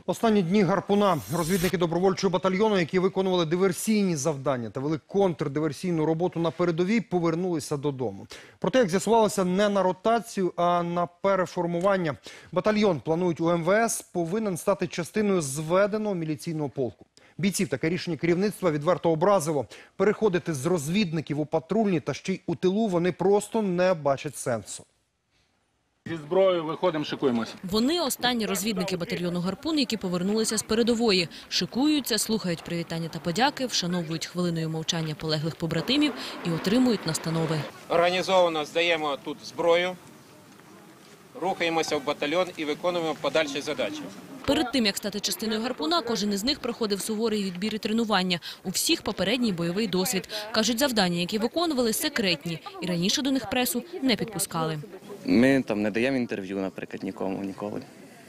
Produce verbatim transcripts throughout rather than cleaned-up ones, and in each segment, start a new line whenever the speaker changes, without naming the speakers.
Останні дні «Гарпуна» розвідники добровольчого батальйону, які виконували диверсійні завдання та вели контрдиверсійну роботу на передовій, повернулися додому. Проте, як з'ясувалося, не на ротацію, а на переформування. Батальйон, планують у ем ве ес, повинен стати частиною зведеного міліційного полку. Бійців таке рішення керівництва відверто образило. Переходити з розвідників у патрульні та ще й у тилу вони просто не бачать сенсу.
Зі зброєю виходимо, шикуємося.
Вони – останні розвідники батальйону «Гарпун», які повернулися з передової. Шикуються, слухають привітання та подяки, вшановують хвилиною мовчання полеглих побратимів і отримують настанови.
Організовано здаємо тут зброю, рухаємося в батальйон і виконуємо подальші задачі.
Перед тим, як стати частиною «Гарпуна», кожен із них проходив суворий відбір і тренування. У всіх попередній бойовий досвід. Кажуть, завдання, які виконували, секретні. І раніше до них пресу не підпускали.
Ми там не даємо інтерв'ю, наприклад, нікому ніколи.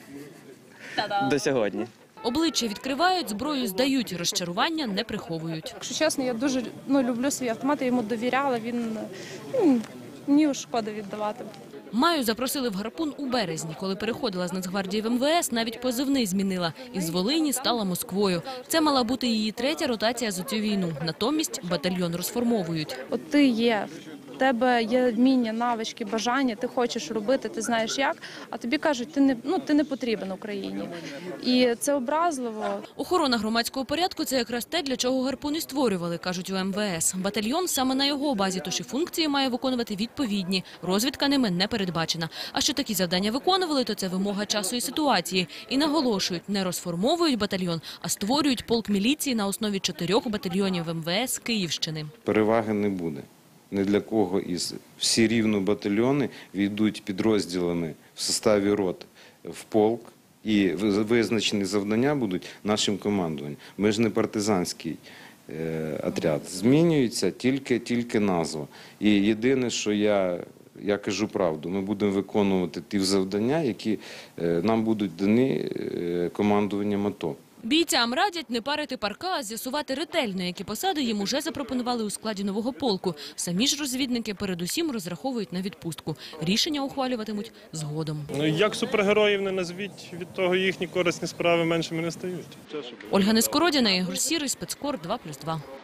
До сьогодні.
Обличчя відкривають, зброю здають, розчарування не приховують.
Якщо чесно, я дуже ну, люблю свій автомат, я йому довіряла, він ну, мені шкода віддавати.
Маю запросили в «Гарпун» у березні. Коли переходила з Нацгвардії в ем ве ес, навіть позивний змінила. Із Волині стала Москвою. Це мала бути її третя ротація за цю війну. Натомість батальйон розформовують.
От ти є, в тебе є вміння, навички, бажання, ти хочеш робити, ти знаєш як, а тобі кажуть, ти не, ну, ти не потрібен Україні. І це образливо.
Охорона громадського порядку – це якраз те, для чого «Гарпун» і створювали, кажуть у ем ве ес. Батальйон саме на його базі, тож і функції має виконувати відповідні. Розвідка ними не передбачена. А що такі завдання виконували, то це вимога часу і ситуації. І наголошують, не розформовують батальйон, а створюють полк міліції на основі чотирьох батальйонів ем ве ес Київщини.
Переваги не буде. Ні для кого із всі рівно батальйони війдуть підрозділами в составі рот в полк, і визначені завдання будуть нашим командуванням. Ми ж не партизанський е, отряд. Змінюється тільки, тільки назва. І єдине, що я, я кажу правду, ми будемо виконувати ті завдання, які е, нам будуть дані е, командуванням АТО.
Бійцям радять не парити парка, а з'ясувати ретельно, які посади їм уже запропонували у складі нового полку. Самі ж розвідники передусім розраховують на відпустку. Рішення ухвалюватимуть згодом.
Ну, як супергероїв не назвіть, від того їхні корисні справи меншими не стають.
Ольга Нескородіна, Ігор Сірий, Спецкор, два плюс два.